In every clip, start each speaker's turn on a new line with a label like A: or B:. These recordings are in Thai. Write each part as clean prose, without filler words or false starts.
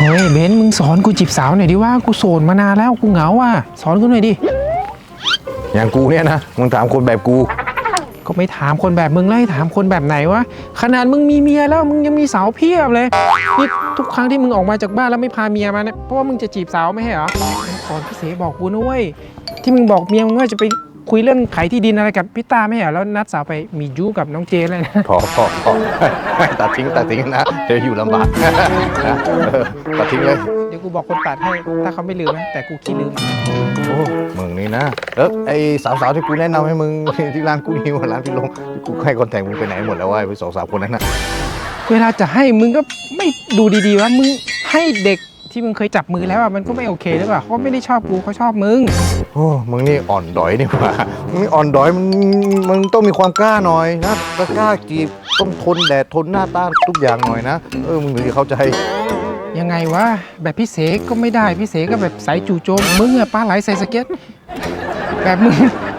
A: ฮ้ยเบนมึงสอนกูจีบสาวหน่อยดิว่ากูโสดมานานแล้วกูเหงาอ่ะสอนกูหน่อยดิ
B: อย่างกูเนี่ยนะมึงถามคนแบบกู
A: ก็ไม่ถามคนแบบมึงแล้วให้ถามคนแบบไหนวะขนาดมึงมีเมียแล้วมึงยังมีสาวเพียบเลยนี่ทุกครั้งที่มึงออกมาจากบ้านแล้วไม่พาเมียมาเนี่ยเพราะว่ามึงจะจีบสาวไม่ใช่เหรอก่อนพี่เสบอกกูนะเว้ยที่มึงบอกเมียมึงว่าจะไปคุยเรื่องขายที่ดินอะไรกับพี่ตาไม่ใช่เหรอแล้วนัดสาวไปมีจู้กับน้องเจเลยนะ
B: พอตัดทิ้งนะเดี๋ยวอยู่ลำบากนะตัดทิ้งเลย
A: เดี๋ยวกูบอกคนตัดให้ถ้าเขาไม่ลืมนะแต่กูขี้ลืม
B: โอ้มึงนี่นะไอ้สาวๆที่กูแนะนำให้มึงที่ร้านกูนิวร้านพี่ลงกูให้คอนแทคมึงไปไหนหมดแล้ววะไป2-3 คนนั้นนะ
A: เวลาจะให้มึงก็ไม่ดูดีๆว่ามึงให้เด็กที่มึงเคยจับมือแล้วอ่ะมันก็ไม่โอเคหรือเปล่าเขาไม่ได้ชอบกูเขาชอบมึง
B: โอ้มึงนี่อ่อนดอยนี่ว่ามึงนี่อ่อนดอยมึงต้องมีความกล้าหน่อยนะกล้าจีบต้องทนแดดทนหน้าต้านทุกอย่างหน่อยนะมึงถึงจะเข้าใจ
A: ยังไงวะแบบพี่เสกก็ไม่ได้พี่เสกก็แบบสายจู่โจมมึงอะปลาไหลใส่สเก็ตแบบมึง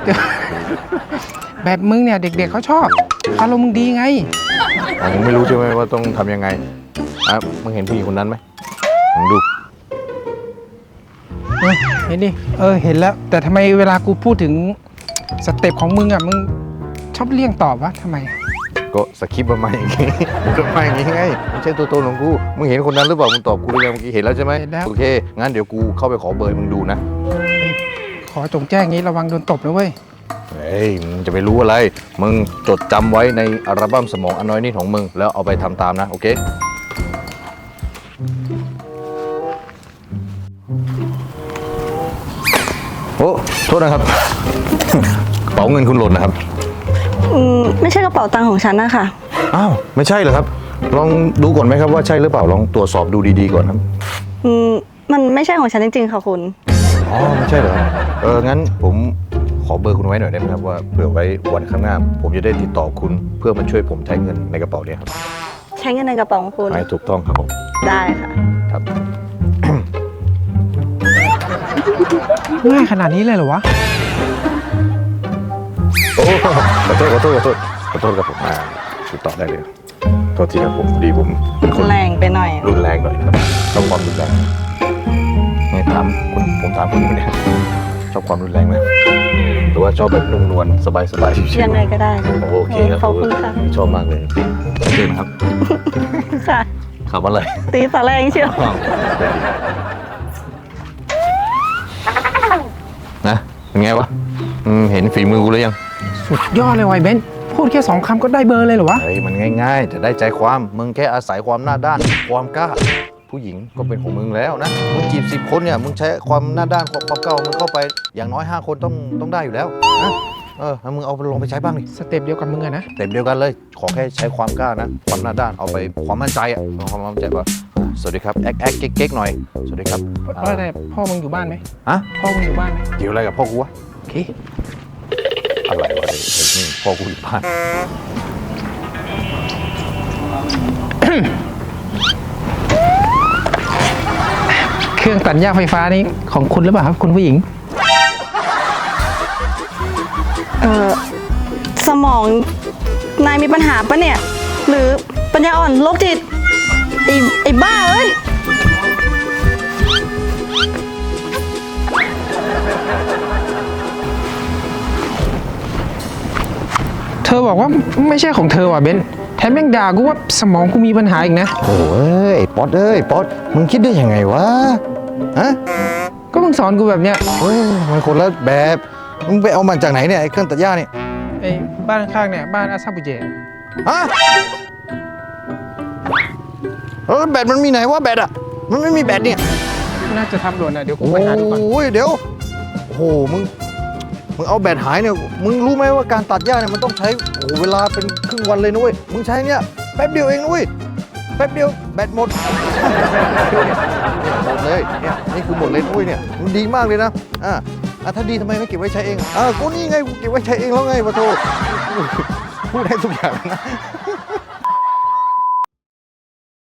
A: แบบมึงเนี่ยเด็กๆเขาชอบอารมณ์มึงดีไง
B: มึงไม่รู้ใช่ไหมว่าต้องทำยังไงมึงเห็นผู้หญิงคนนั้นไหมมึงดู
A: เห็นดิเห็นแล้วแต่ทำไมเวลากูพูดถึงสเต็ปของมึงอ่ะมึงชอบเลี่ยงตอบวะทำไม
B: ก็สคริปต์มาอย่างงี้ก็มาอย่างงี้ไงไม่ใช่ตัวตนของกูมึงเห็นคนนั้นหรือเปล่ามึงตอบกูหรือยังเมื่อกี้เห็นแล้วใช่ไหมโอเคงั้นเดี๋ยวกูเข้าไปขอเบอร์มึงดูนะ
A: ขอจงแจ้งงี้ระวังโดนตบนะเว้ย
B: มึงจะไปรู้อะไรมึงจดจำไว้ในอัลบั้มสมองอันน้อยนิดของมึงแล้วเอาไปทำตามนะโอเคโอ้โทษนะครับกระเป๋าเงินคุณหล่นนะครับ
C: ไม่ใช่กระเป๋าตังค์ของฉันนะคะ
B: อ้าวไม่ใช่เหรอครับลองดูก่อนไหมครับว่าใช่หรือเปล่าลองตรวจสอบดูดีๆก่อนครับ
C: มันไม่ใช่ของฉันจริงๆค่ะคุณ
B: อ๋อไม่ใช่เหรองั้นผมขอเบอร์คุณไว้หน่อยได้ไหมครับว่าเผื่อไว้วันข้างหน้าผมจะได้ติดต่อคุณเพื่อมาช่วยผมใช้เงินในกระเป๋านี้ครับ
C: ใช้เงินในกระเป๋าของคุณ
B: ถูกต้องครับผม
C: ได้ค่ะ
B: ครับ
A: ง่ายขนาดนี้เลยเหรอวะ
B: โอ้ขอโทษครับผมติดต่อได้เลยโทษทีครับผมดีผมเป็นคน
C: แรงไปหน่อย
B: รุนแรงหน่อยครับชอบความรุนแรงไงถามผมถามคุณเนี่ยชอบความรุนแรงไหมหรือว่าชอบแบบนุ่มนวลสบายชิวๆ
C: ยังไงก็ได้
B: โอเคครับ
C: ขอบคุณค่ะ
B: ชอบมากเลยเก่งครับ
C: ค่ะ
B: ขับมาเลย
C: ตีสาแรงเชียว
B: นะเป็นไงวะเห็นฝีมือกูหรือยัง
A: สุดยอดเลยไวเบนพูดแค่2 คำก็ได้เบอร์เลยเหรอวะ
B: มันง่ายๆแต่ได้ใจความมึงแค่อาศัยความหน้าด้านความกล้าผู้หญิงก็เป็นของมึงแล้วนะมึงจีบ10 คนเนี่ยมึงใช้ความหน้าด้านความกล้ามึงเข้าไปอย่างน้อย5 คนต้องได้อยู่แล้วนะมึงเอาลงไปใช้บ้างดิ
A: สเต็ปเดียวกับมึงอะนะ
B: สเต็ปเดียวกันเลยขอแค่ใช้ความกล้านะความหน้าด้านเอาไปความมั่นใจความมั่นใจว่าสวัสดีครับแอ๊กเก๊กหน่อยสวัสดีครับ
A: แต่พ่อมึงอยู่บ้านไหมพ่อมึงอยู่บ้านไหม
B: เกี่ยวอะไรกับพ่อกูวะ
A: โอเค
B: อะไรวะนี่พ่อกูอยู่บ้าน
A: เครื่องตัดหญ้าไฟฟ้านี่ของคุณหรือเปล่าครับคุณผู้หญิง
C: สมองนายมีปัญหาปะเนี่ยหรือปัญญาอ่อนโรคจิตไอ้บ้าเอ้ย
A: เธอบอกว่าไม่ใช่ของเธอว่ะเบนแถมยังด่ากูว่าสมองกูมีปัญหาอีกนะ
B: โอ้ยป๊อตมึงคิดได้ยังไงวะ
A: ก็มึงสอนกูแบบเนี้ย
B: มันคนละแบบมึงไปเอามันจากไหนเนี่ยไอ้เครื่องตัดหญ้านี่
A: ไอ้บ้านข้างเนี่ยบ้านอาซาบุเจ
B: แบตมันมีไหนวะแบตอ่ะมันไม่มีแบตเนี่ย
A: น่าจะทำหล่นนะเดี๋ยวกูไปหาดูก่อน
B: โอ้ยเดี๋ยวโอ้โหมึงเอาแบตหายเนี่ยมึงรู้ไหมว่าการตัดหญ้าเนี่ยมันต้องใช้เวลาเป็นครึ่งวันเลยนะเว้ยมึงใช้เนี่ยแป๊บเดียวเองนะเว้ยแป๊บเดียวแบตหมดหมดเลยเนี่ยนี่คือหมดเลยนะเว้ยเนี่ยมันดีมากเลยนะถ้าดีทำไมไม่เก็บไว้ใช้เองกูนี่ไงกูเก็บไว้ใช้เองแล้วไงปะโถพูดให้ทุกอย่างนะ